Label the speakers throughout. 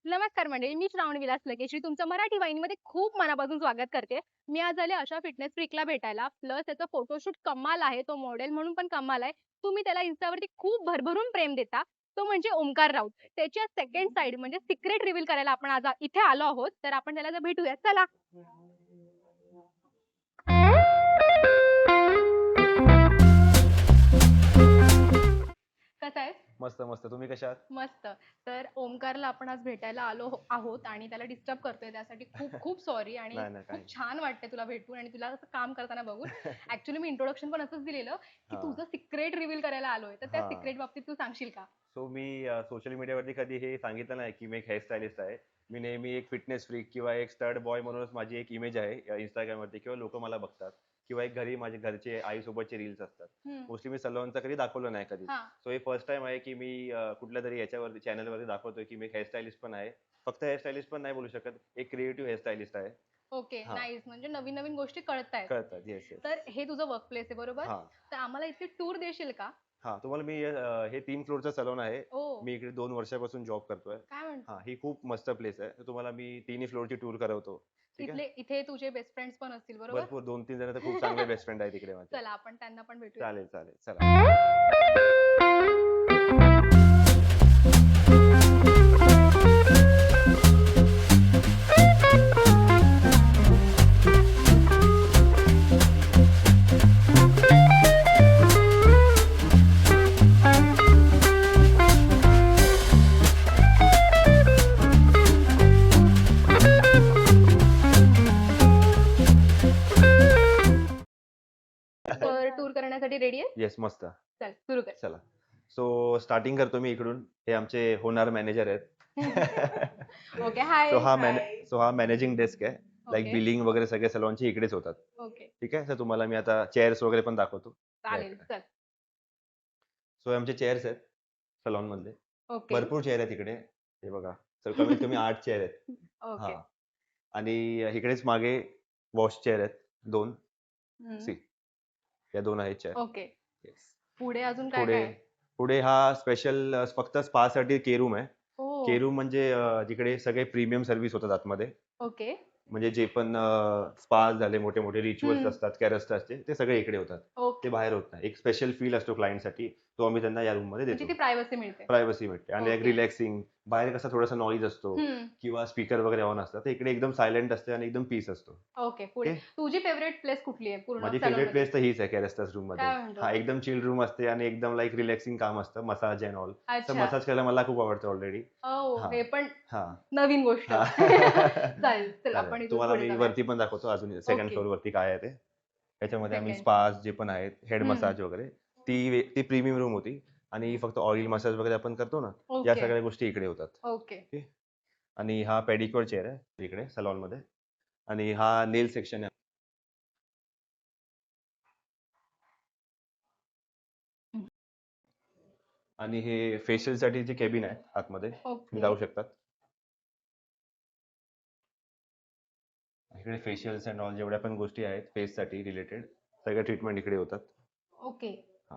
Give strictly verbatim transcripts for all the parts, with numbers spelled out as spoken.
Speaker 1: नमस्कार मंडळी, मी श्रावण विलास लकेश्री तुमचं मराठी वाहिनीमध्ये खूप मनापासून स्वागत करते. मी आज आले अशा फिटनेस फ्रीकला भेटायला. प्लस त्याचा फोटोशूट कमाल आहे. तो मॉडेल म्हणून पण कमाल आहे. तुम्ही त्याला इन्स्टावरती खूप भरभरून प्रेम देता. तो म्हणजे ओमकार राऊत. त्याच्या सेकंड साइड म्हणजे सिक्रेट रिव्हील करायला आपण आज आ- इथे आलो आहोत. तर आपण त्याला जर भेटूया. चला. कसा आहे?
Speaker 2: मस्त मस्त. तुम्ही कशा आहात?
Speaker 1: मस्त. तर ओमकारला आपण आज भेटायला आलो हो- आहोत आणि त्याला डिस्टर्ब करतोय त्यासाठी खूप खूप सॉरी आणि
Speaker 2: नाही नाही
Speaker 1: खूप
Speaker 2: काही
Speaker 1: छान वाटतंय तुला भेटून आणि तुला असं काम करताना बघून. ऍक्च्युली मी इंट्रोडक्शन पण असंच दिलेलं की
Speaker 2: हा
Speaker 1: तुझं सिक्रेट रिव्हील करायला आलोय, तर त्या
Speaker 2: हा
Speaker 1: सिक्रेट बाबतीत तू सांगशील का?
Speaker 2: सो मी सोशल मीडियावरती कधी हे सांगितलं नाही की मी एक हेअरस्टायलिस्ट आहे. मी नेहमी एक फिटनेस फ्रीक किंवा एक स्टड बॉय म्हणूनच माझी एक इमेज आहे इंस्टाग्रामवरती किंवा लोक मला बघतात किंवा एक घरी माझे घरचे आईसोबतचे रील्स असतात.
Speaker 1: हम्म.
Speaker 2: मोस्टली मी सलॉनचं कधी दाखवलं नाही कधी.
Speaker 1: हा.
Speaker 2: सो हे फर्स्ट टाइम आहे की मी अं, कुठल्या तरी याच्यावरती चॅनलवरती दाखवतोय की मी एक हेअरस्टायलिस्ट पण आहे. फक्त हेअरस्टायलिस्ट पण नाही बोलू शकत, एक क्रिएटिव्ह हेअरस्टायलिस्ट आहे.
Speaker 1: ओके,
Speaker 2: हा
Speaker 1: नाईस. म्हणजे नवीन नवीन गोष्टी कळतायत.
Speaker 2: कळतात. Yes yes.
Speaker 1: तर हे तुझं वर्क प्लेस आहे बरोबर?
Speaker 2: हा
Speaker 1: तर आम्हाला इथे टूर देशील का?
Speaker 2: हा तुम्हाला मी अं, हे तीन फ्लोअरचं सलून आहे.
Speaker 1: ओ.
Speaker 2: मी इकडे दोन वर्षापासून जॉब करतोय.
Speaker 1: काय
Speaker 2: हा
Speaker 1: म्हणतो?
Speaker 2: ही खूप मस्त प्लेस आहे. तर तुम्हाला मी तिन्ही फ्लोअरची टूर करवतो. ठीक आहे.
Speaker 1: इथले इथे तुझे बेस्ट फ्रेंड्स पण असतील बरोबर?
Speaker 2: भरपूर दोन तीन जण तर खूप चांगले बेस्ट फ्रेंड आहेत तिकडे माझे.
Speaker 1: चला आपण त्यांना पण भेटूया.
Speaker 2: चालेल चालेल चला.
Speaker 1: तर टूर करण्यासाठी रेडी आहे?
Speaker 2: येस मस्त.
Speaker 1: चल सुरू कर.
Speaker 2: चला. सो स्टार्टिंग करतो मी इकडून. हे आमचे होणार मॅनेजर आहेत.
Speaker 1: Okay, hi.
Speaker 2: सो हा मॅने सो हा मॅनेजिंग डेस्क आहे. Like
Speaker 1: okay.
Speaker 2: बिलिंग वगैरे सगळे सलॉनचे इकडेच होतात.
Speaker 1: ओके,
Speaker 2: ठीक आहे. तर तुम्हाला मी आता चेअर्स वगैरे पण दाखवतो.
Speaker 1: चालेल. चल.
Speaker 2: सो हे आमचे चेअर्स आहेत सलॉन मधले.
Speaker 1: ओके.
Speaker 2: भरपूर चेअर आहेत इकडे. हे बघा. तर कमीत कमी आठ चेअर आहेत.
Speaker 1: ओके.
Speaker 2: हा आणि इकडेच मागे वॉश चेअर आहेत दोन.
Speaker 1: हम्म.
Speaker 2: सी या दोन आहेत चेअर.
Speaker 1: ओके.
Speaker 2: येस.
Speaker 1: पुढे अजून काय
Speaker 2: पुढे
Speaker 1: काय आहे?
Speaker 2: पुढे हा स्पेशल फक्त स्पा साठी के रूम आहे.
Speaker 1: ओ.
Speaker 2: के रूम म्हणजे अं, जिकडे सगळे प्रीमियम सर्व्हिस होतात आतमध्ये.
Speaker 1: ओके.
Speaker 2: म्हणजे जे पण स्पा झाले मोठे मोठे रिच्युअल्स
Speaker 1: हम्म.
Speaker 2: असतात कॅरस्टाचे ते सगळे इकडे होतात. ते
Speaker 1: ओके.
Speaker 2: बाहेर होत नाही. एक स्पेशल फील असतो क्लायंटसाठी, तो आम्ही त्यांना या रूम मध्ये
Speaker 1: म्हणजे
Speaker 2: देतो.
Speaker 1: ती प्रायव्हसी मिळते.
Speaker 2: प्रायव्हसी भेटते आणि एक
Speaker 1: ओके.
Speaker 2: रिलॅक्सिंग. बाहेर कसा थोडासा नॉईज असतो
Speaker 1: हम्म.
Speaker 2: किंवा स्पीकर वगैरे ऑन असतात, तर इकडे एकदम सायलेंट असते आणि एकदम पीस असतो.
Speaker 1: ओके. पुढे
Speaker 2: ओके.
Speaker 1: तुझी फेवरेट प्लेस कुठली आहे पूर्ण
Speaker 2: माझी
Speaker 1: सलून
Speaker 2: फेवरेट
Speaker 1: मध्ये?
Speaker 2: प्लेस तर हीच आहे कॅरेस्टास रूम मध्ये.
Speaker 1: काय म्हणतो?
Speaker 2: हा एकदम चिल रूम असते आणि एकदम लाईक रिलॅक्सिंग काम असतं, मसाज अँड ऑल. तर
Speaker 1: अच्छा.
Speaker 2: मसाज करायला मला खूप आवडतं ऑलरेडी.
Speaker 1: ओ,
Speaker 2: हा
Speaker 1: हे पण
Speaker 2: हा
Speaker 1: नवीन गोष्ट.
Speaker 2: हा
Speaker 1: चालेल. चल
Speaker 2: चालेल.
Speaker 1: आपण इथून
Speaker 2: तुम्हाला
Speaker 1: पुढे
Speaker 2: मी
Speaker 1: जाऊया.
Speaker 2: वरती पण दाखवतो अजून सेकंड
Speaker 1: ओके.
Speaker 2: फ्लोअर वरती काय आहे ते. त्याच्यामध्ये आम्ही
Speaker 1: सेकंड.
Speaker 2: स्पास जे पण आहेत, हेड
Speaker 1: हम्म.
Speaker 2: मसाज वगैरे, ती वे- ती प्रीमियम रूम होती आणि ही फक्त ऑइल मसाज वगैरे आपण करतो ना, या
Speaker 1: ओके.
Speaker 2: सगळ्या गोष्टी इकडे होतात.
Speaker 1: ओके.
Speaker 2: ओके. आणि हा पेडिक्युअर चेअर आहे इकडे सलॉन मध्ये आणि हा नेल सेक्शन आहे. आणि हे फेशियल साठी जे केबिन आहे आतमध्ये, तुम्ही
Speaker 1: ओके.
Speaker 2: जाऊ शकतात. इकडे फेशियल्स अँड ऑल जेवढ्या पण गोष्टी आहेत फेस साठी रिलेटेड सगळ्या ट्रीटमेंट इकडे होतात.
Speaker 1: ओके.
Speaker 2: हा.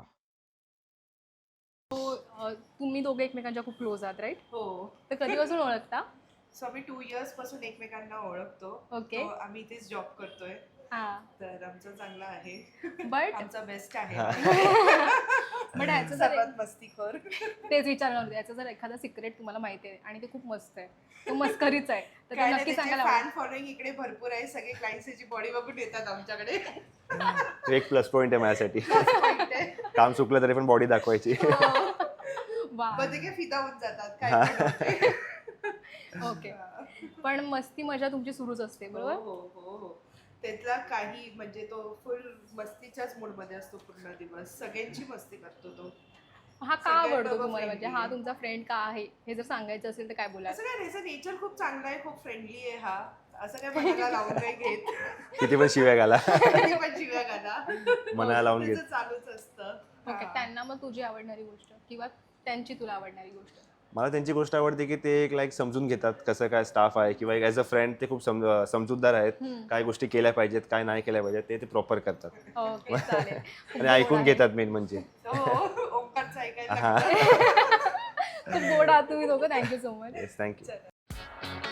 Speaker 1: तो अ, तुम्ही दोघे एकमेकांच्या खूप क्लोज आहात राईट?
Speaker 3: हो.
Speaker 1: तर कधीपासून ओळखता?
Speaker 3: सो आम्ही टू इयर्स पासून एकमेकांना ओळखतो.
Speaker 1: ओके.
Speaker 3: तो आम्ही इथेच जॉब करतोय.
Speaker 1: हा.
Speaker 3: तर आमचं चांगलं आहे.
Speaker 1: बट
Speaker 3: आमचा बेस्ट आहे.
Speaker 2: हा.
Speaker 1: बट ह्याचं जर
Speaker 3: सर्वात मस्तीखोर.
Speaker 1: तेच विचारणार होते, याचं जर एखादा सिक्रेट तुम्हाला माहिती आहे आणि ते खूप मस्त आहे, तो मस्करीच आहे, तर ते
Speaker 3: काय
Speaker 1: नक्की सांगायला आवडेल.
Speaker 3: फॅन फॉलोइंग इकडे भरपूर आहे. सगळे क्लायंट्स याची बॉडी बघून येतात आमच्याकडे.
Speaker 2: तो एक प्लस पॉइंट आहे माझ्यासाठी.
Speaker 3: Point आहे.
Speaker 2: काम चुकलं तरी पण बॉडी दाखवायची.
Speaker 1: वा.
Speaker 3: मग ते काय फिदा होऊन जातात काय
Speaker 2: हा.
Speaker 3: पण होते.
Speaker 1: ओके. पण मस्ती मजा तुमची सुरूच असते
Speaker 3: हो
Speaker 1: बरोबर?
Speaker 3: हो हो हो. त्यातला काही म्हणजे तो फुल मस्तीच्याच मूड मध्ये असतो पूर्ण दिवस. सगळ्यांची मस्ती करतो तो.
Speaker 1: हा का
Speaker 3: सगळ्यात
Speaker 1: आवडतो
Speaker 3: बाबा
Speaker 1: तुम्हाला, म्हणजे
Speaker 3: friendly
Speaker 1: हा
Speaker 3: आहे.
Speaker 1: तुमचा फ्रेंड का आहे हे जर सांगायचं असेल तर काय बोलाल?
Speaker 3: असं काय त्याचं नेचर खूप चांगलं आहे, खूप फ्रेंडली आहे हा. असं काय मनाला लावून नाही घेत.
Speaker 2: किती पण शिव्या घाला.
Speaker 3: कधी पण शिव्या घाला.
Speaker 2: मनाला लावून घेत.
Speaker 3: त्याचं चालूच असतं.
Speaker 1: ओके.
Speaker 3: हा.
Speaker 1: त्यांना मग तुझी आवडणारी गोष्ट किंवा त्यांची तुला आवडणारी गोष्ट?
Speaker 2: मला त्यांची गोष्ट आवडते की ते एक लाईक समजून घेतात कसं काय स्टाफ आहे किंवा एक ॲज अ फ्रेंड ते खूप सम समजूतदार आहेत.
Speaker 1: हम्म.
Speaker 2: काय गोष्टी केल्या पाहिजेत काय नाही केल्या पाहिजेत ते ते प्रॉपर करतात.
Speaker 1: ओके, चालेल.
Speaker 2: आणि ऐकून घेतात मेन म्हणजे.
Speaker 3: हो, ओंकारचं ऐकायला
Speaker 2: हा.
Speaker 3: लागतं.
Speaker 1: खूप गोड आहात तुम्ही दोघं. Thank you so much.
Speaker 2: Yes thank you.
Speaker 3: चला. आहे